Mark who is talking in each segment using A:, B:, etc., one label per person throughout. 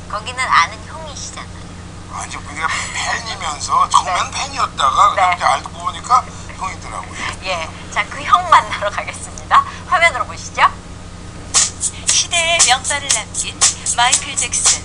A: 거기는 아는 형이시잖아요.
B: 아니 우리가 팬이면서 처음엔 팬이었다가
A: 네.
B: 그렇게 알고 보니까 형이더라고요.
A: 예, 자, 그 형 만나러 가겠습니다. 화면으로 보시죠.
C: 시대의 명반을 남긴 마이클 잭슨.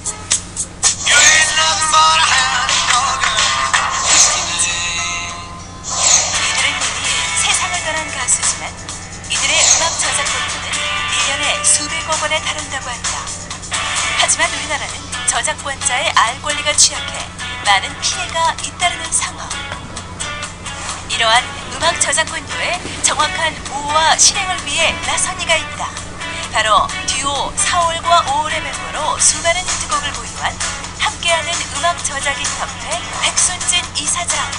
C: 이들은 이미 세상을 떠난 가수지만 이들의 음악 저작권료는 1년에 수백억 원에 달한다고 한다. 하지만 우리나라는 저작권자의 알 권리가 취약해 많은 피해가 잇따르는 상황. 이러한 음악 저작권료의 정확한 보호와 실행을 위해 나선 이가 있다. 바로 듀오 4월과 5월의 멤버로 수많은 히트곡을 보유한 함께하는 음악 저작인 협회 백순진 이사장.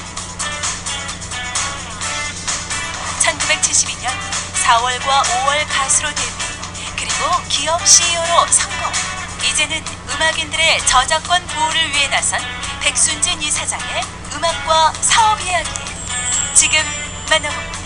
C: 1972년 4월과 5월 가수로 데뷔, 그리고 기업 CEO로 성공. 이제는 음악인들의 저작권 보호를 위해 나선 백순진 이사장의 음악과 사업 이야기 지금 만나봅니다.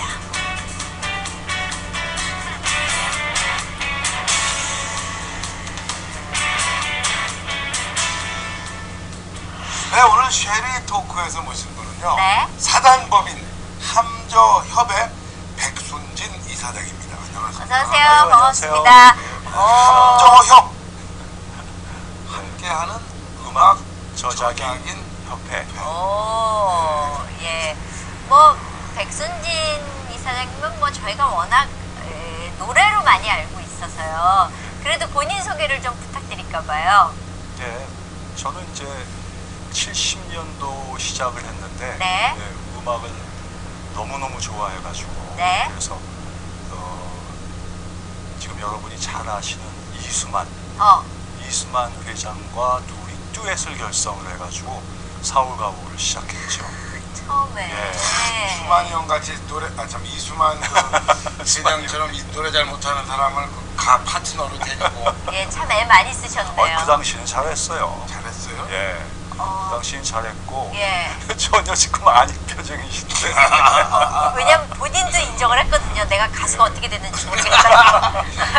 B: 네, 오늘 쉐리 토크에서 모신 분은요.
A: 네.
B: 사단법인 함저협의 백순진 이사장입니다. 안녕하세요.
A: 어서오세요.
D: 아유,
A: 반갑습니다.
B: 함저협 함께하는 음악
D: 저작인
B: 저작인
D: 협회.
A: 오, 예. 뭐, 백순진 이사장님은 뭐 저희가 워낙 노래로 많이 알고 있어서요. 그래도 본인 소개를 좀 부탁드릴까봐요.
D: 네, 저는 이제 70년도 시작을 했는데
A: 네.
D: 음악을 너무너무 좋아해가지고
A: 네.
D: 그래서 지금 여러분이 잘 아시는 이수만 회장과 둘이 듀엣을 결성을 해가지고 사울가오를 시작했죠.
A: 처음에.
D: 예.
B: 이수만 형 같이 노래 이수만 그 회장처럼 이 노래 잘 못하는 사람을 가 파트너로 데리고
A: 예, 참 애 많이 쓰셨네요.
D: 그 당시는 잘했어요.
B: 잘했어요.
D: 예. 그 당시는 잘했고
A: 예.
D: 전혀 지금 아닌 표정이신데
A: 왜냐면 본인도 인정을 했거든요. 내가 가수가 어떻게 됐는지 모르겠다.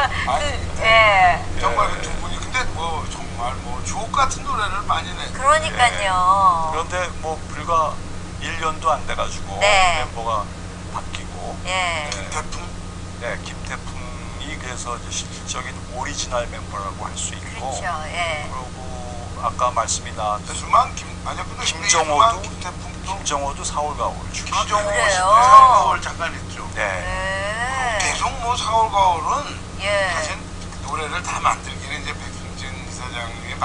A: 예.
B: 정말 그 두 분이 근데 뭐 정말 뭐 주옥 같은 노래를 많이 내.
A: 그러니까요.
D: 그런데 뭐 불과 1년도 안 돼가지고
A: 네.
D: 멤버가 바뀌고
A: 예.
B: 태풍.
D: 네, 김태풍이 그래서 이제 실질적인 오리지널 멤버라고 할 수 있고
A: 그렇죠. 예.
D: 그리고 아까 말씀이 나왔던
B: 이수만
D: 김정호도
B: 김태풍도
D: 김정호도 사울가오를 주기
B: 김정호
A: 그래요?
B: 사울가오를 잠깐 했죠.
D: 네.
A: 예.
B: 계속 뭐 사울가오는
A: 예.
B: 사실 노래를 다 만들기는 이제 백순진 이사장님이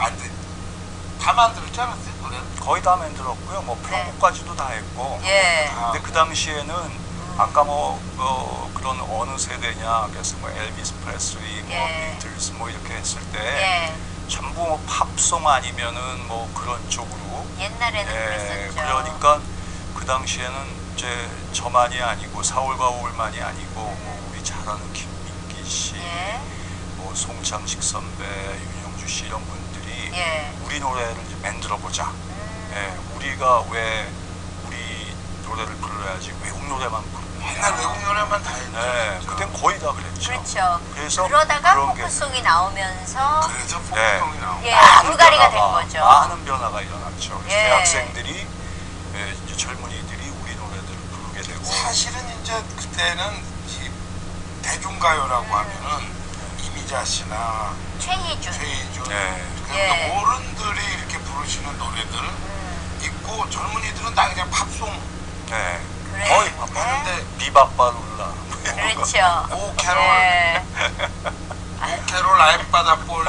B: 다 만들었지 않았어요 노래를?
D: 거의 다 만들었고요. 뭐 프로까지도 다 했고.
A: 예.
D: 근데 그 당시에는 아까 그런 어느 세대냐 그래서 뭐 엘비스 프레슬리, 뭐
A: 예.
D: 비틀스 뭐 이렇게 했을 때
A: 예.
D: 전부 뭐 팝송 아니면은 뭐 그런 쪽으로.
A: 옛날에는
D: 예.
A: 그랬었죠.
D: 그러니까 그 당시에는 이제 저만이 아니고 사울가오만이 아니고 뭐 우리 잘 아는 김민기 씨,
A: 예.
D: 뭐 송창식 선배, 윤영주 씨 이런 분들이
A: 예.
D: 우리 노래를 이제 만들어 보자. 예, 우리가 왜 우리 노래를 불러야지 외국 노래만 부르냐.
B: 옛날 외국 노래만 다 했죠.
D: 네,
B: 진짜.
D: 그땐 거의 다 그랬죠.
A: 그렇죠.
D: 그래서
A: 그러다가
D: 그런 게
A: 포크송이 나오면서
B: 그래서 포크송이 나오고.
A: 예, 불가리가 된 거죠.
D: 많은 변화가 일어났죠. 그래서
A: 예.
D: 대학생들이 이제 젊은이들이 우리 노래들을 부르게 되고.
B: 사실은 이제 그때는 이 대중가요라고 하면은 이미자 씨나
A: 최희준.
B: 네.
A: 예.
B: 어른들이 이렇게 부르시는 노래들 있고 젊은이들은 다 그냥 팝송.
D: 네.
A: 그래.
D: 거의 바빠는데 비바바룰라.
A: 그렇죠.
B: 오 캐롤,
A: 예.
B: 오 캐롤 아이바다볼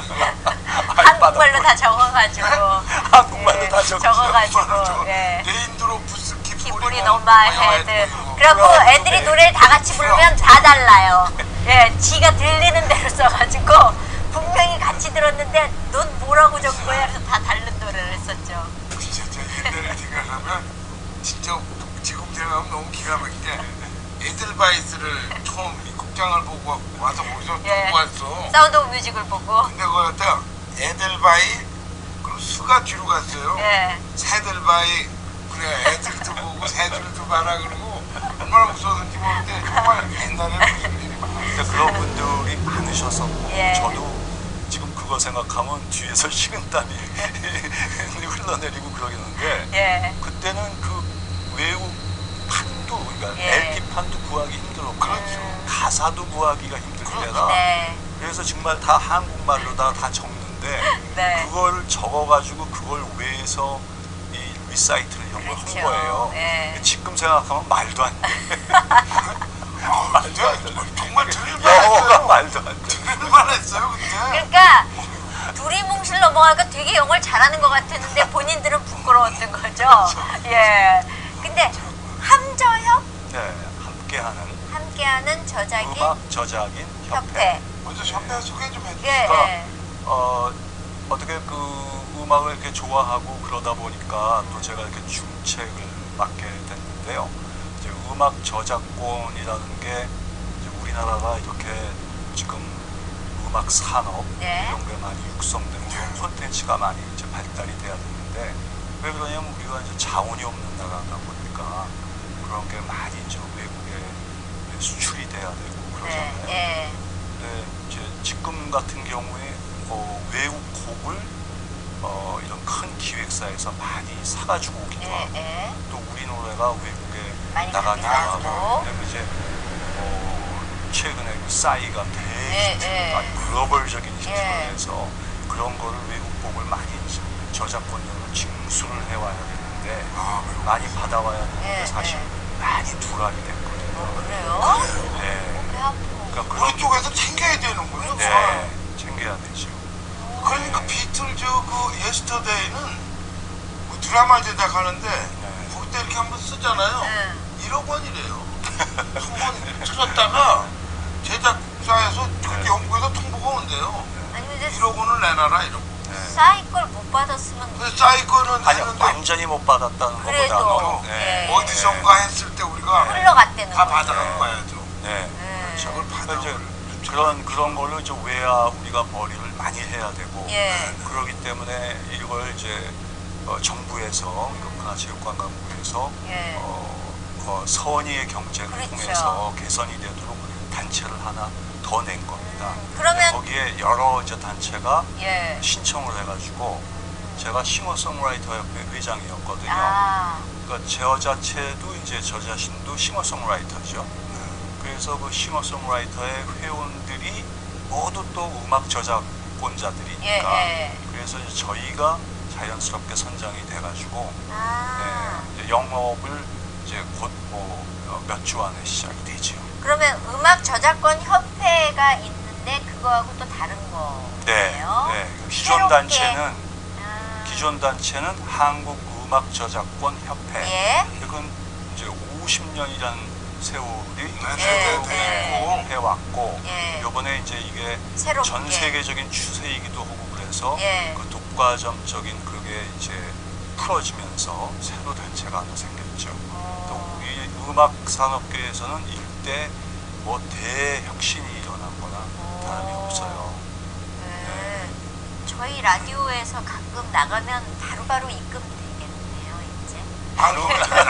A: 한국말로 다 적어가지고.
D: 한국말로
A: 예,
D: 다 적어.
A: 적어가지고. 예.
B: 레인드로프스
A: 기분이 너무 해드. 그래갖고 애들이 노래를 다 같이 부르면 다 달라요. 예, 지가 들리는 대로 써가지고 분명히 같이 들었는데 넌 뭐라고 적은 거야? 그래서 다 다른 노래를 했었죠.
B: 진짜 옛날에 생각하면 진짜 지금 생각하면 너무 기가 막히게 에델바이스를 처음 미국장을 보고 와서 거기서
A: 예.
B: 보고 왔어.
A: 사운드 오브 뮤직을 보고.
B: 근데 거기 갔다 에델바이 그리고 수가 뒤로 갔어요.
A: 예.
B: 새들바이 그래 애들도 보고 새들도 봐라 그러고 얼마나 무서웠는지 모르는데 정말 옛날에 무슨 일이 많았어요.
D: 근데 그런 분들이 많으셨었고
A: 예.
D: 저도 지금 그걸 그거 생각하면 뒤에서 식은땀이 흘러내리고 그러겠는데
A: 예.
D: 그때는 그 외국 판도 그러니까
A: 예.
D: LP판도 구하기 힘들었고
B: 그렇죠.
D: 가사도 구하기가 힘들 때라
A: 네.
D: 그래서 정말 다 한국말로다 적는데
A: 네.
D: 그걸 적어가지고 그걸 외에서 이 리사이트를 이런 걸 한
A: 그렇죠.
D: 거예요.
A: 예.
D: 지금 생각하면 말도 안 돼. 말도 안 돼.
B: 정말 들을만
D: 영어가
B: 했어요.
D: 말도 안 돼.
B: 들을만 했어요 그때.
A: 그러니까 둘이 뭉실 넘어가니까 되게 영어를 잘하는 것 같았는데 본인들은 부끄러웠던 거죠. 예. 근데 함저협
D: 네,
A: 함께하는 저작인
D: 음악 저작인 협회.
A: 협회.
B: 먼저 협회 소개 좀 해주세요.
A: 예.
D: 그러니까
A: 예.
D: 어떻게 그 음악을 이렇게 좋아하고 그러다 보니까 또 제가 이렇게 중책을 맡게 됐는데요. 이제 음악 저작권이라는 게 이제 우리나라가 이렇게 지금 음악 산업
A: 네.
D: 이런 게 많이 육성되고 그런 콘텐츠가 많이 이제 발달이 돼야 되는데 왜 그러냐면 우리가 이제 자원이 없는 나라다 보니까 그런 게 많이 이제 외국에 수출이 돼야 되고 그러잖아요.
A: 네. 예.
D: 근데 이제 지금 같은 경우에 외국 곡을 이런 큰 기획사에서 많이 사가지고 오기도
A: 예.
D: 하고
A: 예.
D: 또 우리 노래가 외국에
A: 많이
D: 나가기도
A: 가기도
D: 하고
A: 하고.
D: 그리고 이제 최근에 그 싸이가
A: 예,
D: 되게
A: 예.
D: 글로벌적인 히트를
A: 예.
D: 해서 그런 거를 외국 곡을 많이 저작권료를 징수를 해와야 되는데 많이 받아와야 되는데
A: 예,
D: 사실 많이 두각이 됐거든요.
A: 그래요?
D: 네.
A: 배 아프고.
D: 그러니까
B: 우리 쪽에서 챙겨야 되는 거예요.
D: 네, 챙겨야 되죠.
B: 그러니까 비틀즈 그 예스터데이는 그 드라마 제작하는데 거기 때 이렇게 한번 쓰잖아요.
A: 네.
B: 1억 원이래요. 한번 틀었다가 제작사에서 그렇게 영국에서 통보가 온대요.
A: 아니 근데
B: 1억 원을 내놔라 이러고.
A: 싸이 걸 못 받았으면
B: 근데 싸이 거는
D: 아니
B: 했는데
D: 완전히 못 받았다는
A: 그래도,
D: 것보다는
A: 예.
B: 어디선가 했을 때 우리가
A: 흘러갔다는
B: 다
A: 거죠.
B: 받아간 거야죠.
D: 네.
A: 네.
B: 그걸 받아.
D: 이제 그런 걸로 이제 외야 우리가 벌이를 많이 해야 되고
A: 예.
D: 그러기 때문에 이걸 이제 정부에서 문화체육관광부에서
A: 예.
D: 선의의 경쟁을
A: 그렇죠.
D: 통해서 개선이 되도록 단체를 하나 더 낸 겁니다.
A: 그러면
D: 거기에 여러 이제 단체가
A: 예.
D: 신청을 해가지고 제가 싱어송라이터 협회 회장이었거든요.
A: 아.
D: 그러니까 저 자체도 이제 저 자신도 싱어송라이터죠. 그래서 그 싱어송라이터의 회원들이 모두 또 음악 저작권자들이니까
A: 예, 예.
D: 그래서 이제 저희가 자연스럽게 선정이 돼가지고
A: 아.
D: 이제 영업을 이제 곧 뭐 몇 주 안에 시작이 되죠.
A: 그러면 음악 저작권 협회가 있는데 그거하고 또 다른
D: 네,
A: 거예요?
D: 네. 기존
A: 새롭게.
D: 단체는
A: 아.
D: 기존 단체는 한국 음악 저작권 협회.
A: 예.
D: 이건 이제 50년이라는 세월이
A: 네.
D: 해왔고
A: 예.
D: 이번에 이제 이게
A: 새롭게.
D: 전 세계적인 추세이기도 하고 그래서
A: 예.
D: 그 독과점적인 그게 이제 풀어지면서 새로 단체가 하나 생겼죠. 또 우리 음악 산업계에서는 이때 뭐 대혁신이 일어나거나 다름이 없어요.
A: 네. 저희 라디오에서 가끔 나가면 바로바로 입금되겠네요, 이제.
B: 바로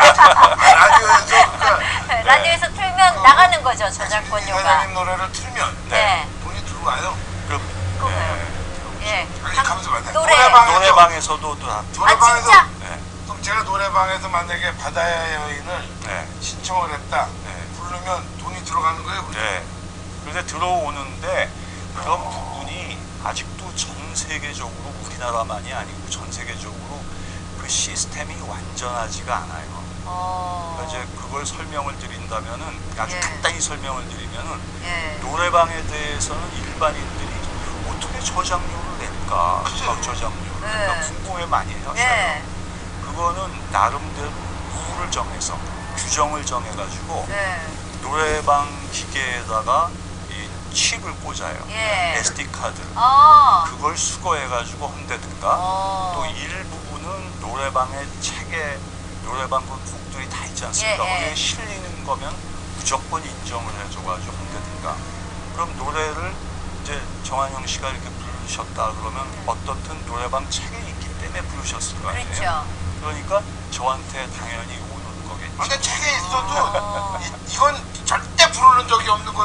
B: 라디오에서 그러니까
A: 라디오에서 틀면 나가는 거죠, 저작권료가.
B: 사장님 노래를 틀면
A: 네.
B: 돈이 들어와요.
D: 그럼
A: 그거요. 예.
B: 아니, 가면서 만나요.
A: 노래.
D: 노래방에서도 또 다.
B: 노래방에서
A: 진짜?
D: 네.
B: 그럼 제가 노래방에서 만약에 바다의 여인을
D: 네.
B: 신청을 했다.
D: 네.
B: 부르면 돈이 들어가는 거예요.
D: 네. 그런데 들어오는데 그런 부분이 아직도 전 세계적으로 우리나라만이 아니고 전 세계적으로 그 시스템이 완전하지가 않아요. 그러니까 이제 그걸 설명을 드린다면은 아주
A: 예.
D: 간단히 설명을 드리면은
A: 예.
D: 노래방에 대해서는 일반인들이 어떻게 저작료를 낼까?
B: 그죠.
D: 음악 저작료를
A: 네.
D: 낼까? 궁금해 많이 하셔요.
A: 네.
D: 그거는 나름대로 룰을 정해서 규정을 정해가지고
A: 네.
D: 노래방 기계에다가 이 칩을 꽂아요.
A: 예.
D: SD 카드. 그걸 수거해가지고 한다든가 또 일부분은 노래방의 책에 노래방 그 곡들이 다 있지 않습니까?
A: 예, 예.
D: 거기에 실리는 거면 무조건 인정을 해줘가지고 한다든가. 그럼 노래를 이제 정한영 씨가 이렇게 부르셨다 그러면 어떻든 노래방 책에 있기 때문에 부르셨을 거 아니에요?
A: 그렇죠.
D: 그러니까 저한테 당연히 오는 거겠죠.
B: 근데 책에 있어도 이건 절대 부르는 적이 없는 것도 있고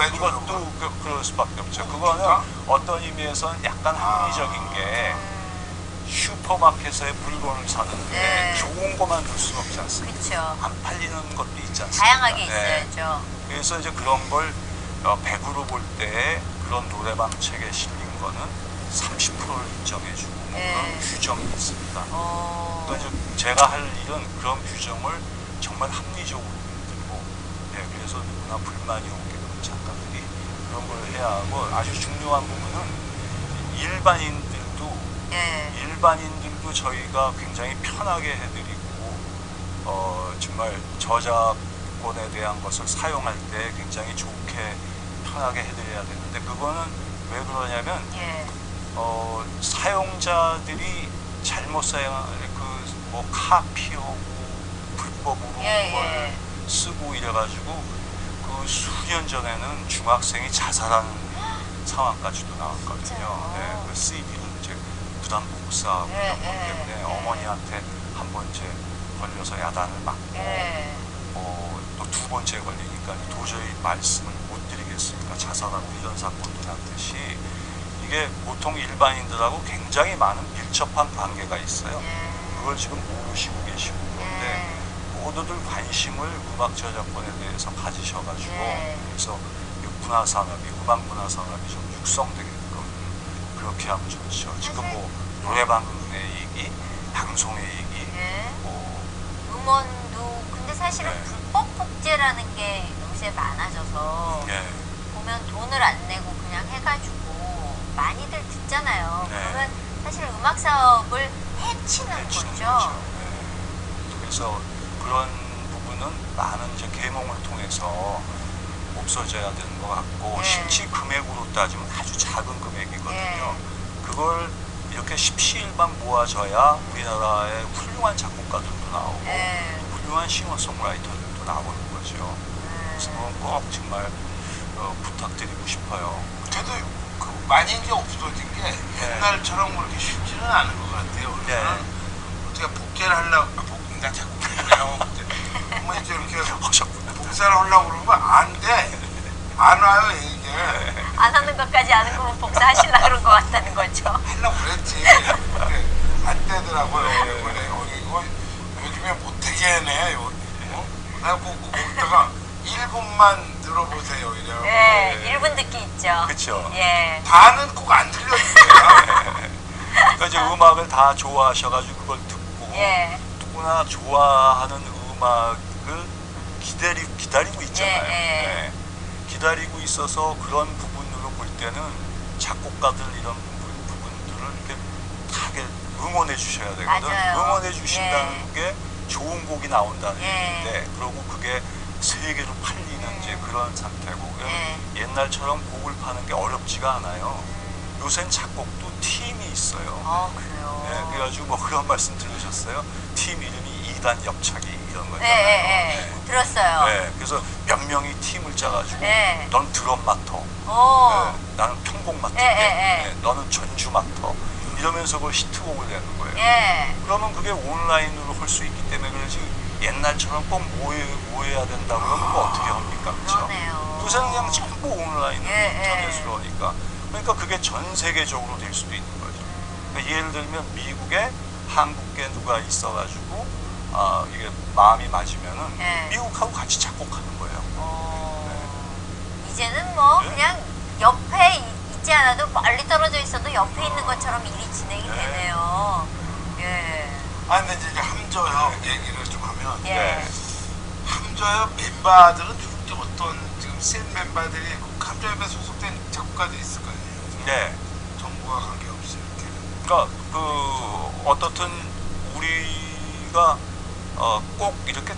B: 왜 줘요?
D: 그것도 그럴 수밖에 없죠. 그거는 어떤 의미에서는 약간 합리적인 게 슈퍼마켓에 물건을 사는데
A: 네.
D: 좋은 것만 둘 수는 없지 않습니까?
A: 그쵸.
D: 안 팔리는 것도 있지 않습니까?
A: 다양하게
D: 네.
A: 있어야죠.
D: 그래서 이제 그런 걸 100으로 볼 때 그런 노래방 책에 실린 거는 30%를 인정해주고 뭐
A: 네.
D: 그런 규정이 있습니다.
A: 어.
D: 그러니까 이제 제가 할 일은 그런 규정을 정말 합리적으로 만들고, 그래서 누구나 불만이 없게끔 작가들이 그런 걸 해야 하고, 아주 중요한 부분은 일반인들도
A: 예.
D: 저희가 굉장히 편하게 해드리고, 정말 저작권에 대한 것을 사용할 때 굉장히 좋게 편하게 해드려야 되는데, 그거는 왜 그러냐면
A: 예.
D: 사용자들이 잘못 사용한 뭐 카피하고 불법으로
A: 예,
D: 그걸
A: 예.
D: 쓰고 이래가지고 그 수년 전에는 중학생이 자살하는 상황까지도 나왔거든요.
A: 진짜요?
D: 네, 그 CD를 이제 부담 복사하고
A: 예,
D: 이런 것
A: 예,
D: 때문에
A: 예.
D: 어머니한테 한 번째 걸려서 야단을 맞고
A: 예.
D: 또 두 번째 걸리니까 도저히 말씀을 못 드리겠으니까 자살하고 이런 사건도 났듯이 이게 보통 일반인들하고 굉장히 많은 밀접한 관계가 있어요. 그걸 지금 모르시고 계시고 그런데 모두들 관심을 음악 저작권에 대해서 가지셔가지고 그래서 문화 산업이 음악 문화 산업이 좀 육성되게끔 그렇게 하면 좋죠. 지금 뭐 노래방의 얘기, 방송의 얘기, 뭐
A: 음원도 근데 사실은
D: 네.
A: 불법 복제라는 게 요새 많아져서
D: 예,
A: 보면 돈을 안 내고 그냥 해가지고 많이들 듣잖아요.
D: 네.
A: 그러면 사실 음악 사업을 해치는 거죠.
D: 네. 그래서 그런 부분은 많은 이제 계몽을 통해서 없어져야 되는 것 같고
A: 네.
D: 실제 금액으로 따지면 아주 작은 금액이거든요.
A: 네.
D: 그걸 이렇게 십시일반 모아져야 우리나라의 훌륭한 작곡가들도 나오고
A: 네.
D: 훌륭한 싱어송라이터들도 나오는 거죠. 그래서 그건 꼭 정말 부탁드리고 싶어요.
B: 그래도 그 많이 이제 없어진 게 옛날처럼 그렇게 쉽지는 않은 것 같아요.
D: 네.
B: 저는 어떻게 복제를 하려고 나 자꾸 그래요. 뭐 이제 이렇게
D: 하셨구나.
B: 복사를 하려고 그러면 안 돼. 안 와요 이게.
A: 안 하는 것까지 아는 거면 복사하시려고 그런 것 같다는 거죠.
B: 하려고 그랬지. 근데 안 되더라고요. 이번에 이거 요즘에 못되게 해네. 내가 거기다가 1분만 들어보세요 이래요.
A: 네, 1분 듣기 있죠.
D: 그쵸.
A: 예.
B: 다는 꼭 안 들려주세요.
D: 그러니까 이제 음악을 다 좋아하셔가지고 그걸 듣고
A: 예.
D: 누구나 좋아하는 음악을 기다리고 있잖아요.
A: 예, 예.
D: 네. 기다리고 있어서 그런 부분으로 볼 때는 작곡가들 이런 부분들을 이렇게 다 응원해 주셔야 되거든.
A: 맞아요.
D: 응원해 주신다는 게 좋은 곡이 나온다는
A: 예.
D: 얘기인데 그리고 그게 세계로 팔리는 이제 그런 상태고 옛날처럼 곡을 파는 게 어렵지가 않아요. 요새는 작곡도 팀이 있어요.
A: 그래요.
D: 네, 그래가지고 뭐 그런 말씀 들으셨어요? 팀 이름이 2단 옆차기 이런 거잖아요.
A: 네, 들었어요.
D: 네, 그래서 몇 명이 팀을 짜가지고
A: 네.
D: 넌 드럼 맡어,
A: 오.
D: 나는 편곡 맡을게,
A: 네.
D: 너는 전주 맡어 이러면서 그 히트곡을 내는 거예요.
A: 예.
D: 그러면 그게 온라인으로 할 수 있기 때문에 그러지 옛날처럼 꼭 모여야 된다 그러면 뭐 어떻게 합니까? 그렇죠?
A: 그러네요.
D: 요새는 그냥 전부 온라인으로
A: 예,
D: 인터넷으로 하니까 그러니까 그게 전 세계적으로 될 수도 있는 거죠. 그러니까 예를 들면 미국에 한국에 누가 있어가지고 이게 마음이 맞으면은
A: 예.
D: 미국하고 같이 작곡하는 거예요.
A: 이제는 뭐
D: 네.
A: 그냥 옆에 있지 않아도 멀리 떨어져 있어도 옆에 있는 것처럼 일이 진행이
D: 네.
A: 되네요. 예.
B: 근데 이제 함저협 얘기를 좀 하면
A: 예.
D: 네.
B: 함저협 멤버들은 주로 어떤 지금 센 멤버들이 그 함저협에 소속된 작곡가들이 있을 거 아니에요.
D: 네.
B: 정부와 관계없이 이렇게.
D: 그러니까 어떻든 우리가 꼭 이렇게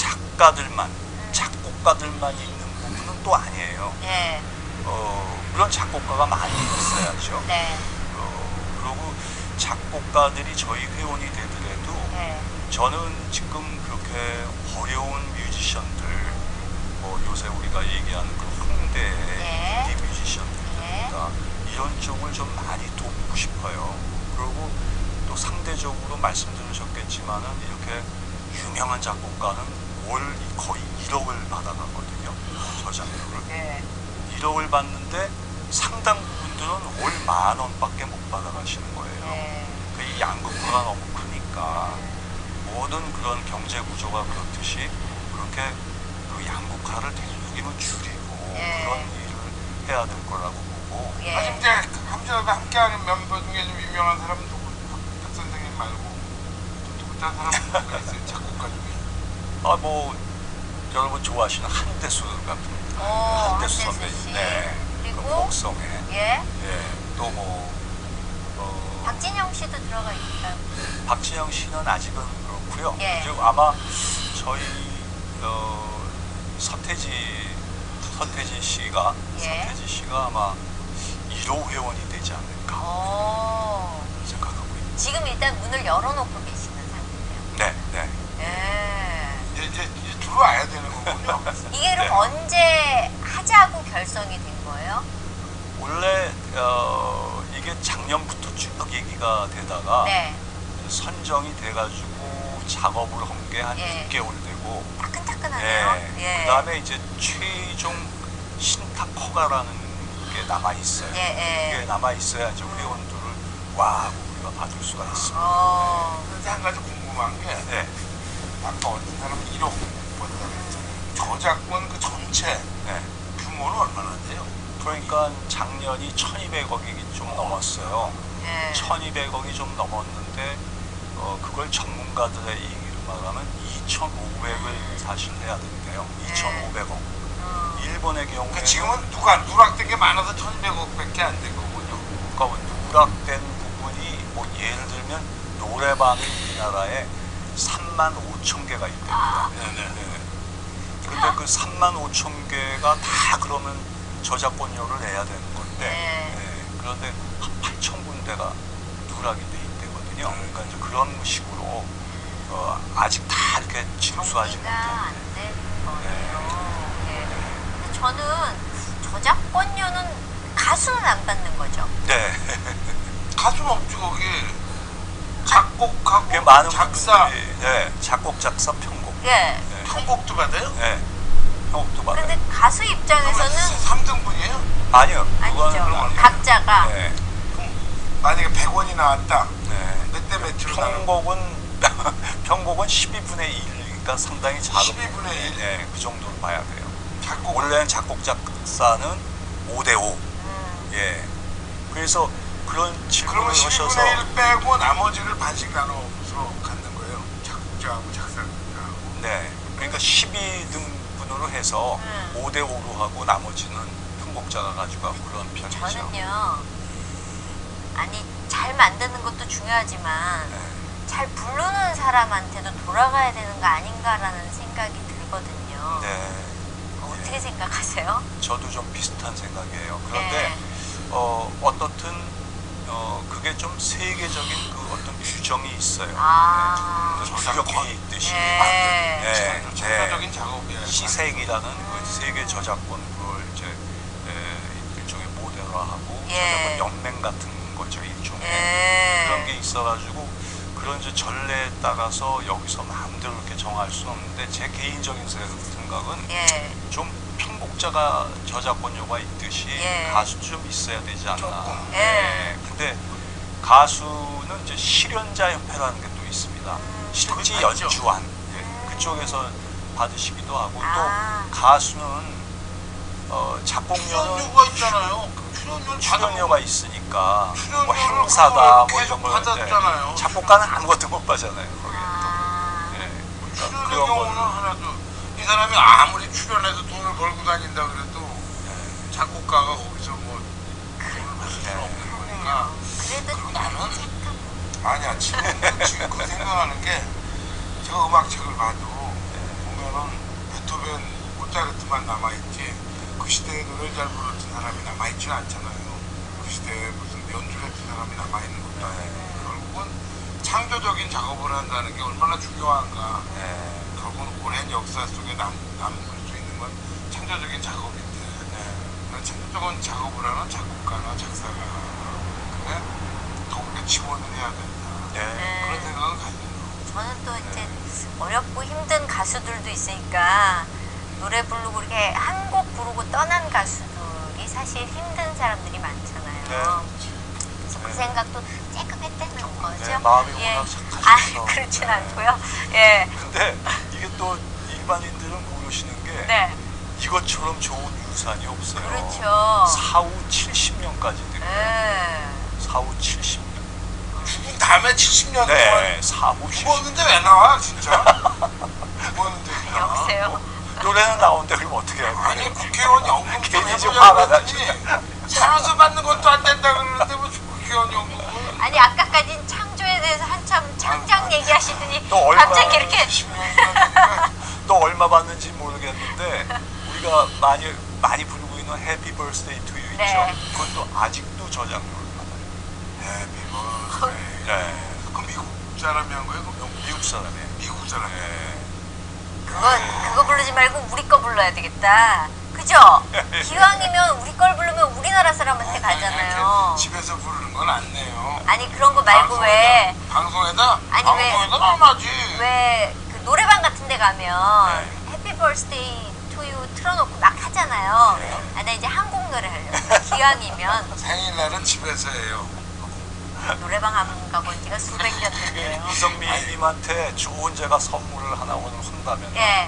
D: 작곡가들만 있는 부분은 또 아니에요.
A: 예.
D: 물론 작곡가가 많이 있어야죠.
A: 네.
D: 그리고 작곡가들이 저희 회원이 되더라도
A: 예.
D: 저는 지금 그렇게 어려운 뮤지션들 뭐 요새 우리가 얘기하는 그 홍대의 인디 뮤지션들이니까 이런 쪽을 좀 많이 돕고 싶어요. 그리고 또 상대적으로 말씀 들으셨겠지만은 이렇게 유명한 작곡가는 월 거의 1억을 받아가거든요. 저작료를.
A: 예.
D: 1억 1억을 받는데 상당 분들은 월 10,000원밖에 못 받아가시는 거예요.
A: 네.
D: 이 양극화가 너무 크니까 모든 그런 경제 구조가 그렇듯이 그렇게 그 양극화를 되도록이면 줄이고
A: 예.
D: 그런 일을 해야 될 거라고 보고
A: 예.
B: 아니 이제 함정과 함께하는 멤버 중에 좀 유명한 사람은 누구? 박 선생님 말고 또 다른 사람은 누가 있어요? 작곡가 중에.
D: 뭐 여러분 좋아하시는 한대수 같은 한대수 선배님,
A: 씨.
D: 네,
A: 그리고
D: 그 복성에,
A: 예.
D: 또 뭐
A: 박진영 씨도 들어가 있을까요?
D: 박진영 씨는 아직은 그렇고요.
A: 예.
D: 그리고 아마 저희 서태지 씨가
A: 예.
D: 아마 1호 회원이 되지 않을까 생각하고 있습니다.
A: 지금 일단 문을 열어놓고 계시는 상태예요.
D: 네.
A: 예.
B: 이제 들어와야 되는 거군요.
A: 이게 그럼
D: 네.
A: 언제 하자고 결성이 된 거예요?
D: 원래 이게 작년부터 쭉 얘기가 되다가
A: 네.
D: 선정이 돼가지고 작업을 한 게 한
A: 예.
D: 6개월 되고
A: 따끈따끈하네요. 예.
D: 그 다음에 이제 최종 신탁 허가라는 게 남아있어요.
A: 예.
D: 그게 남아있어야 이제 회원들을 와 우리가 받을 수가 있습니다.
B: 그런데 한 가지 궁금한 게
D: 네.
B: 아까 어떤 사람은 1억 번다고 했잖아요. 저작권 그 전체
D: 네.
B: 규모는 얼마나 돼요?
D: 그러니까 작년이 1,200억이 좀 넘었어요.
A: 예.
D: 1,200억이 좀 넘었는데 그걸 전문가들의 얘기를 말하면 2,500을 사실 해야 된대요. 2,500억. 일본의 경우에
B: 그러니까 지금은 누락된 게 많아서 1,200억밖에 안 된 거군요.
D: 그러니까 누락된 부분이 뭐 예를 들면 노래방이 우리나라에 35,000개가 있답니다.
B: 네네.
D: 근데 그 35,000개가 다 그러면 저작권료를 내야 되는 건데
A: 네.
D: 그런데 한 8,000군데가 누락이 돼 있대거든요. 그러니까 이제 그런 식으로 아직 다 이렇게 징수하지
A: 정리가
D: 못한.
A: 안 되는 거네요. 예. 근데 저는 저작권료는 가수는 안 받는 거죠.
D: 네.
B: 가수는 없죠 거기. 작곡하고
D: 그게 많은
B: 작사,
D: 분들이 작곡, 작사, 편곡.
A: 예.
B: 편곡도 받아요?
D: 네. 편곡도 받아요.
A: 근데 가수 입장에서는
B: 3등분이에요?
D: 아니요.
A: 아니죠.
D: 그건
A: 각자가
D: 네.
B: 만약에 100원이 나왔다.
D: 네.
B: 몇 대 몇으로 나는
D: 편곡은 12분의 1이니까 상당히 작은
B: 12분의 1?
D: 네, 그 정도로 봐야 돼요.
B: 작곡
D: 원래는 작곡 작사는 5대5. 예. 그래서 그런 질문을
B: 그러면
D: 하셔서
B: 12분의 1 빼고 나머지를 반씩 나눠서 갖는 거예요. 작곡자하고 작사가하고.
D: 네. 그러니까 12등분으로 해서 5대5로 하고 나머지는 편곡자가 가지고 가고 그런 편이죠.
A: 저는요. 아니 잘 만드는 것도 중요하지만
D: 네.
A: 잘 부르는 사람한테도 돌아가야 되는 거 아닌가라는 생각이 들거든요.
D: 네.
A: 어떻게 생각하세요?
D: 저도 좀 비슷한 생각이에요. 그런데
A: 네.
D: 어떻든 그게 좀 세계적인 그 어떤 규정이 있어요.
A: 아.
D: 규격이 있듯이
A: 네.
B: 전사적인 작업이에요.
D: 시색이라는 그 세계 저작권 그걸 이제 일종의 모델화하고
A: 예.
D: 저작권 연맹 같은 거죠 일종의
A: 예.
D: 그런 게 있어가지고 그런 이제 전례에 따라서 여기서 마음대로 이렇게 정할 수는 없는데 제 개인적인 생각은
A: 예.
D: 좀 편곡자가 저작권료가 있듯이
A: 예.
D: 가수도 좀 있어야 되지 않나.
B: 조금.
A: 예.
D: 근데 가수는 이제 실연자 협회라는 게 또 있습니다. 실제
B: 그건 맞죠.
D: 연주한 그쪽에서 받으시기도 하고
A: 아.
D: 또 가수는 작곡료는
B: 출연료가 있잖아요. 출연료를
D: 출연료가 있으니까 뭐
B: 출연료를
D: 행사다 뭐
B: 계속
D: 이런 거
B: 받았잖아요.
D: 작곡가는 아무것도 못 받잖아요. 거기에
A: 아.
D: 또. 네. 그러니까
B: 출연료
D: 그런
B: 경우는
D: 거는
B: 하나도 이 사람이 아무리 출연해서 돈을 벌고 다닌다 그래도 작곡가가 거기서 뭐 돈을 받을 수는 없는 거니까.
A: 그래도
B: 그리고 나는 아니야 지금 그 생각하는 게 제가 음악책을 봐도 보면은 베토벤, 모차르트만 남아있지 그 시대에 노래를 잘 불렀던 사람이 남아있지는 않잖아요. 그 시대에 무슨 연주했던 사람이 남아있는 것도 아니고 결국은 창조적인 작업을 한다는 게 얼마나 중요한가. 결국은 오랜 역사 속에 남을 수 있는 건 창조적인 작업인데 그런 창조적인 작업을 하는 작곡가나 작사가 그래? 더욱더 지원을 해야 된다. 그런 생각은 가지고
A: 저는 또 이제 어렵고 힘든 가수들도 있으니까 노래 부르고 이렇게 한 곡 부르고 떠난 가수들이 사실 힘든 사람들이 많잖아요. 그래서 그 생각도 조금 했다는 거죠.
D: 네, 마음이
A: 예.
D: 워낙 착하셔서.
A: 아, 그렇진
D: 네.
A: 않고요. 예.
D: 근데 이게 또 일반인들은 모르시는 게
A: 네.
D: 이것처럼 좋은 유산이 없어요.
A: 그렇죠.
D: 사후 70년까지 드려요.
A: 예.
D: 사후 70년.
B: 죽은 다음에 70년
D: 네,
B: 동안
D: 사후 70년.
B: 죽었는데 왜 나와 진짜? 죽었는데 그냥.
A: 여보세요?
D: 노래는 나오는데 그럼 어떻게 해요?
B: 아니 국회의원 연금 좀
D: 괜히 좀
B: 해보자고
D: 화가
B: 했더니 살아서 받는 것도 안 된다 그러는데 뭐 국회의원 연금을
A: 아니 아까까진 창조에 대해서 한참 창작 얘기하시더니
D: 또 얼마-
A: 갑자기 이렇게
B: 10년이니까
D: 또 얼마 받는지 모르겠는데 우리가 많이 부르고 있는 해피 버스데이 투 유 있죠?
A: 네.
D: 그것도 아직도 저작료를 받아요.
B: 해피버스데이.
D: 네.
B: 그럼 미국 사람이 한 거예요? 그럼
D: 미국 사람이에요.
B: 미국 사람이.
D: 네.
A: 그거 부르지 말고 우리 거 불러야 되겠다. 그죠? 기왕이면 우리 걸 부르면 우리나라 사람한테 가잖아요.
B: 집에서 부르는 건 안 내요.
A: 아니 그런 거 말고 왜
B: 방송에다?
A: 아니, 왜-
B: 방송에다 안 하지.
A: 그 노래방 같은 데 가면
D: 네.
A: 해피 버스데이 투 유 틀어놓고 막 하잖아요.
D: 네.
A: 아, 나 이제 한국 노래 하려고. 기왕이면
B: 생일날은 집에서 해요.
A: 노래방 안 가본 지가 수백 년 됐네요.
D: 이성민님한테 좋은 제가 선물을 하나 오늘 한다면
A: 예,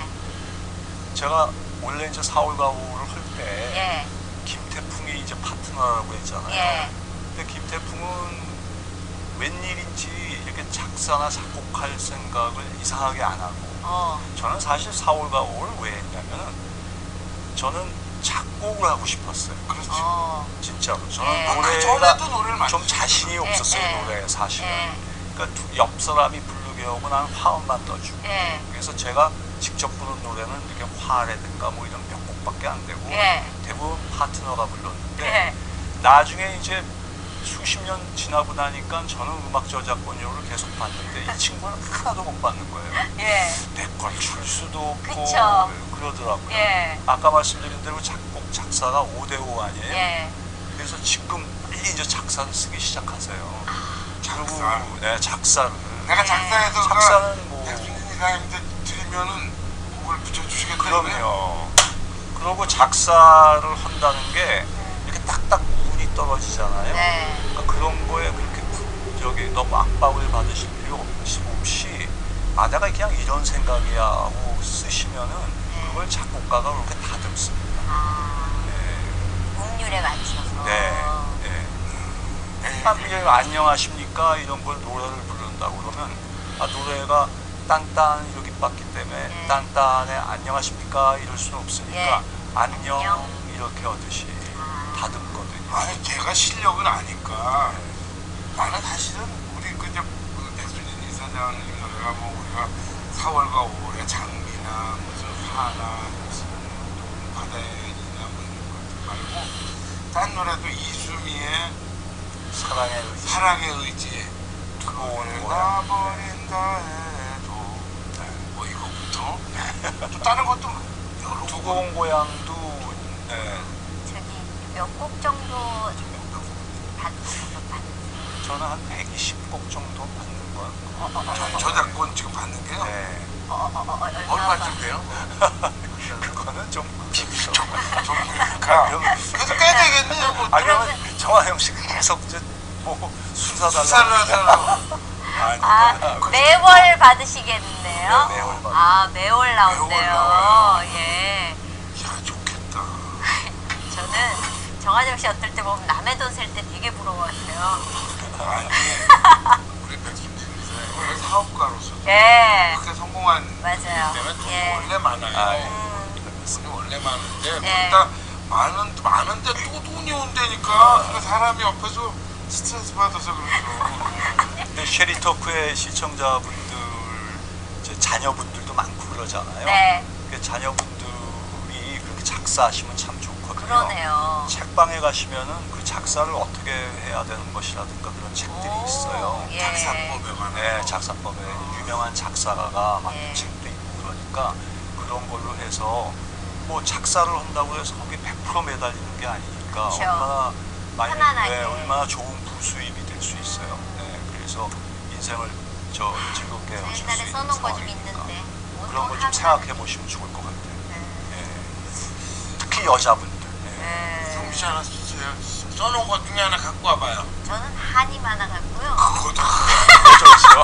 D: 제가 원래 이제 4월 가오를 할 때
A: 예,
D: 김태풍이 이제 파트너라고 했잖아요.
A: 예.
D: 근데 김태풍은 웬일인지 이렇게 작사나 작곡할 생각을 이상하게 안 하고 저는 사실 4월 가오를 왜 했냐면은 저는 작곡을 하고 싶었어요.
B: 그렇지.
D: 진짜로 저는
A: 예.
B: 그
D: 노래가
B: 전에도 노래를 많이
D: 좀 자신이 없었어요.
A: 예.
D: 노래에 사실은.
A: 예.
D: 그러니까 옆 사람이 부르게 하고 나는 화음만 떠주고
A: 예.
D: 그래서 제가 직접 부른 노래는 이렇게 화라든가 뭐 이런 몇 곡밖에 안 되고
A: 예.
D: 대부분 파트너가 불렀는데
A: 예.
D: 나중에 이제 수십 년 지나고 나니까 저는 음악 저작권료를 계속 받는데 이 친구는 하나도 못 받는 거예요.
A: 예.
D: 내 걸 줄 수도 없고
A: 그쵸.
D: 그러더라고요.
A: 예.
D: 아까 말씀드린 대로 작곡 작사가 5대5 아니에요?
A: 예.
D: 그래서 지금 빨리 이제 작사를 쓰기 시작하세요.
B: 작사.
D: 그리고 네, 작사를.
B: 내가 작사해서
D: 작사는 뭐
B: 백순진 이사님한테 드리면은 곡을 붙여주시겠다.
D: 그럼요. 그리고 작사를 한다는 게 이렇게 딱딱 운이 떨어지잖아요.
A: 네.
D: 그러니까 그런 거에 그렇게 너무 압박을 받으실 필요 없이 아 내가 그냥 이런 생각이야 하고 쓰시면은 그걸 작곡가가 그렇게 다듬습니다. 네.
A: 음률에 맞춰서.
D: 네. 네. 안녕하십니까 이런 걸 노래를 부른다고 그러면 아 노래가 딴딴 이렇게 봤기 때문에
A: 네.
D: 딴딴에 안녕하십니까 이럴 수는 없으니까 안녕
A: 안녕.
D: 이렇게 하듯이 다듬거든요.
B: 아니 제가 실력은 아니까 나는 사실은 우리 그저 백순진 이사장님 노래가 뭐 우리가 4월과 5월의 장미나 무슨 화나 무슨 바다에나 뭐 이런 것들 말고 딴 노래도 이수미의
D: 사랑의 의지.
B: 사랑의 의지
D: 두고온
B: 나
D: 고향.
B: 버린다 해도 뭐 이거부터 또 다른 것도 여러 곡을
D: 두고 온 고향도 네,
A: 저기 몇 곡 정도 받으세요?
D: 저는 한 120곡 정도 받는 거예요.
B: 저작권 지금 받는 게요?
D: 네.
B: 얼마쯤 돼요?
D: 그거는 좀 깊죠.
B: 좀 그러니까 그래도 꽤 되겠네요. 뭐
D: 아 그러면 정하영 씨가 계속 이제 뭐 수사
B: 수사를
D: 달라고.
B: 하잖아.
A: 아, 매월 받으시겠네요?
D: 네, 매월 받아요.
A: 아, 매월 나온대요.
B: 매월 나와요.
A: 예.
B: 야 좋겠다.
A: 저는 정하정 씨 어떨 때 보면 남의 돈 셀 때 되게 부러워하세요.
B: 아니 우리 백순진 이사님 원래 사업가로서
A: 예.
B: 그렇게 성공한
A: 맞아요.
B: 때문에 돈이
A: 예.
B: 원래 많아요.
D: 아, 예.
B: 돈이 원래 많은데
A: 네.
B: 거기다 많은데 또 돈이 온다니까 그러니까 사람이 옆에서 스트레스 받아서 그렇죠.
D: 근데 쉐리토크의 시청자분들, 이제 자녀분들도 많고 그러잖아요.
A: 네.
D: 그 자녀분들이 그렇게 작사하시면 참 좋거든요.
A: 그러네요.
D: 책방에 가시면은 그 작사를 어떻게 해야 되는 것이라든가 그런 책들이
A: 오,
D: 있어요.
A: 예.
B: 작사법에 관한
D: 네, 작사법에 유명한 작사가가 한
A: 예.
D: 책도 있고 그러니까 그런 걸로 해서 뭐 작사를 한다고 해서 거기 100% 매달리는 게 아니니까
A: 그쵸.
D: 얼마나 많이
A: 편안하게.
D: 네, 얼마나 좋은 부수입이 될 수 있어요. 네, 그래서 인생을 즐겁게 하실 수
A: 옛날에
D: 있는
A: 써놓은 거 좀
D: 상황이니까
A: 있는데
D: 그런 걸 좀
A: 하면-
D: 생각해 보시면 좋을 것 같아요.
A: 네.
D: 네. 특히 여자분들. 네.
A: 네.
B: 그러지 않았었어요? 써놓은 것 중에 하나 갖고 와봐요.
A: 저는 한이 많아 갖고요.
B: 그것도
D: 좋죠.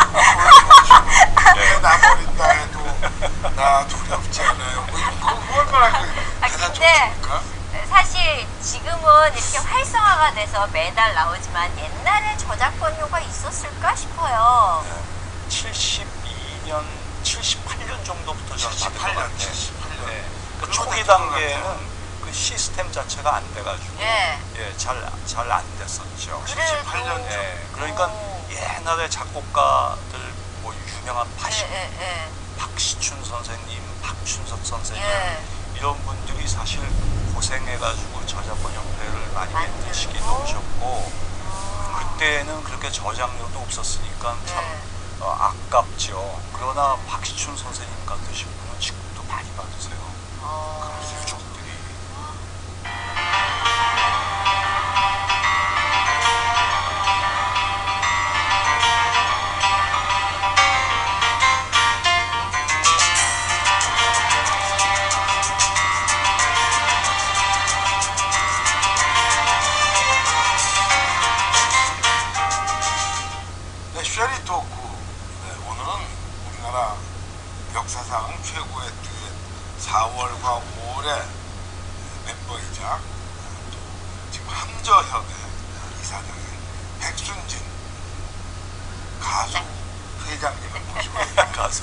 B: 나 버린다 해도 나 두렵지 않아요. 뭐 이런 거 얼마나 대단
A: 근데
B: 좋습니까?
A: 사실 지금은 이렇게 활성화가 돼서 매달 나오지만 옛날에 저작권료가 있었을까 싶어요.
D: 72년, 78년 정도부터 저는 받은 것
B: 78년,
D: 같아요.
B: 78년.
D: 네. 그
B: 그러고
D: 초기
B: 됐던 것
D: 단계에는
B: 같아요.
D: 그 시스템 자체가 안 돼가지고
A: 예.
D: 잘 안 됐었죠.
A: 그래도
B: 78년 전.
D: 예, 그러니까 옛날에 작곡가들 뭐 유명한 박시춘 선생님, 박춘석 선생님
A: 예.
D: 이런 분들이 사실 고생해가지고 저작권 협회를 많이
A: 만들고.
D: 만드시기도 오셨고 그때는 그렇게 저작료도 없었으니까 참
A: 네.
D: 아깝죠. 그러나 박시춘 선생님 같으신 분은 지금도 많이 받으세요.
B: 그래서 유족들이 네, 쉐리 토크. 네, 오늘은 우리나라 역사상 최고의 듀엣 4월과 5월의 멤버이자 또 지금 함저협의 이사장의 백순진 가수 회장님을 모시고 있는
D: 가수.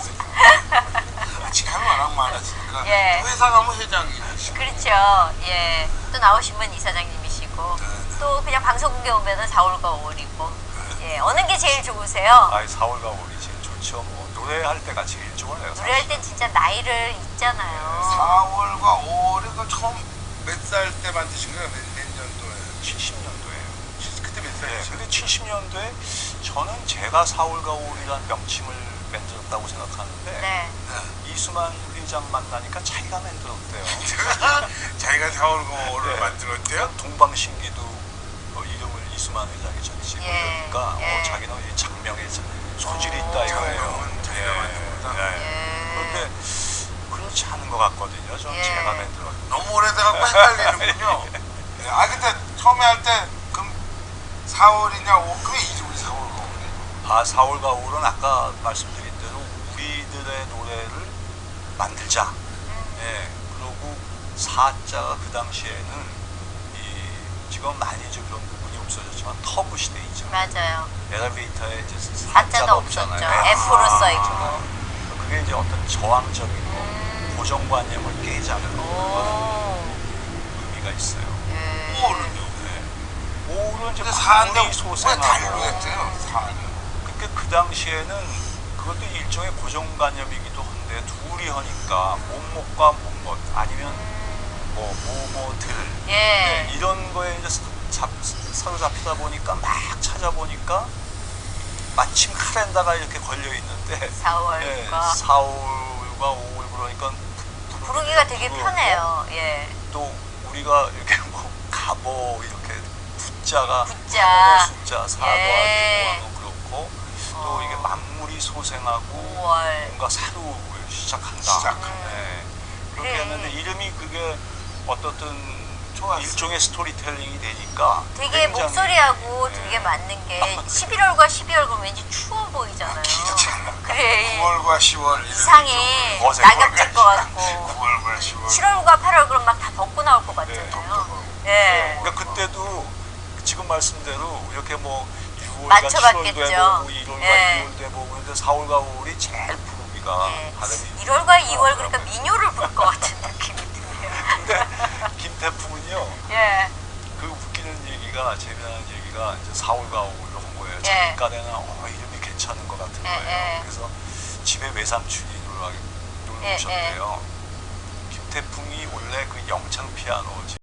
B: 직함이 워낙 많았으니까
A: 예.
B: 회사 가면 회장이시고
A: 그렇죠. 예. 또 나오신 분 이사장님이시고
B: 네.
A: 또 그냥 방송국에 오면은 4월과 5월이고 예. 어느 게 제일 좋으세요?
D: 아이 4월과 5월이 제일 좋죠. 뭐 노래할 때가 제일 좋아요.
A: 노래할 땐 진짜 나이를 잊잖아요.
B: 4월과 5월에 그 처음 몇 살 때 만드신 거예요? 몇 년도에?
D: 70년도에요.
B: 그때 몇
D: 네,
B: 살이셨어요?
D: 근데 70년도에 저는 제가 4월과 5월이라는 명칭을 만들었다고 생각하는데
A: 네.
D: 이수만 회장 만나니까 자기가 만들었대요.
B: 자기가 4월과 5월을
D: 네.
B: 만들었대요?
D: 동방신기도 이름을 이수만 회장이 전시
A: 예.
D: 그러니까
A: 예.
D: 자기는 이 장명에 소질이 있다 이거예요.
B: 장명은 자기가 만든 거다?
D: 그런데 그렇지 않은 것 같거든요. 저는
A: 예.
D: 제가 만들었는데.
B: 너무 오래돼갖고 헷갈리는군요. 네, 아 근데 처음에 할 때 그럼 4월이냐 5 그게 이름이 4월과 5월이에요?
D: 아 4월과 5월은 아까 말씀드린 대로 우리들의 노래를 만들자. 예. 그리고 사자가 그 당시에는 지금 많이 이제 그런 부분이 없어졌지만 터브 시대이죠.
A: 맞아요.
D: 엘리베이터에 이제
A: 사자도
D: 사자가
A: 없었죠.
D: 없잖아요.
A: F로 써 있고.
D: 그게 이제 어떤 저항적이고 고정관념을 깨자는 그런
A: 오.
B: 가
D: 의미가 있어요.
A: 예.
B: 5월은요?
D: 네. 5월은 이제
B: 근데 4인데
D: 마무리
B: 왜
D: 소생하고
B: 달로 했대요? 4는
D: 그러니까 그 당시에는 그것도 일종의 고정관념이기도 한데 둘이 하니까 몸목과 몸못 아니면 뭐 모모들
A: 예.
D: 네, 이런 거에 이제 사로잡히다 보니까 막 찾아보니까 마침 카렌다가 이렇게 걸려 있는데
A: 4월과
D: 4월과 5월 그러니까
A: 부르기가 되게
D: 부르고
A: 편해요. 예.
D: 또 우리가 이렇게 뭐 가보 이렇게 숫자가
A: 숫자.
D: 숫자 사과
A: 예.
D: 모아는 그렇고 또 이게 만물이 소생하고
A: 5월.
D: 뭔가 새로 시작한다.
B: 시작한다.
D: 네. 그렇게
A: 그래.
D: 했는데 이름이 그게 어떻든 일종의 스토리텔링이 되니까
A: 되게
D: 굉장히,
A: 목소리하고
D: 네.
A: 되게 맞는 게 11월과 12월 그러면 왠지 추워 보이잖아요.
B: 길잖아.
A: 그래.
B: 9월과 10월
A: 이상해.
D: 어색.
A: 낙엽질 것 같고.
B: 9월과 10월
A: 7월과 8월 그럼 막 다 벗고 나올 것
D: 네.
A: 같잖아요. 예.
D: 그러니까 그때도 지금 말씀대로 이렇게 뭐 6월과
A: 맞춰봤겠죠.
D: 7월도 해보고 1월과
A: 예.
D: 2월도 해보고 근데 4월과 5월이 제일 부르기가
A: 예.
D: 발음이
A: 1월과 2월 그러니까 민요를 부를 것 같은 느낌이 드네요.
D: 근데 김태풍은요
A: 예.
D: 그 웃기는 얘기가 재미나는 얘기가 이제 4월과 5월로 한 거예요.
A: 예.
D: 자기 깐에는 이름이 괜찮은 것 같은
A: 예,
D: 거예요.
A: 예.
D: 그래서 집에 외삼촌이 놀러
A: 예,
D: 오셨대요. 김태풍이 원래 그 영창 피아노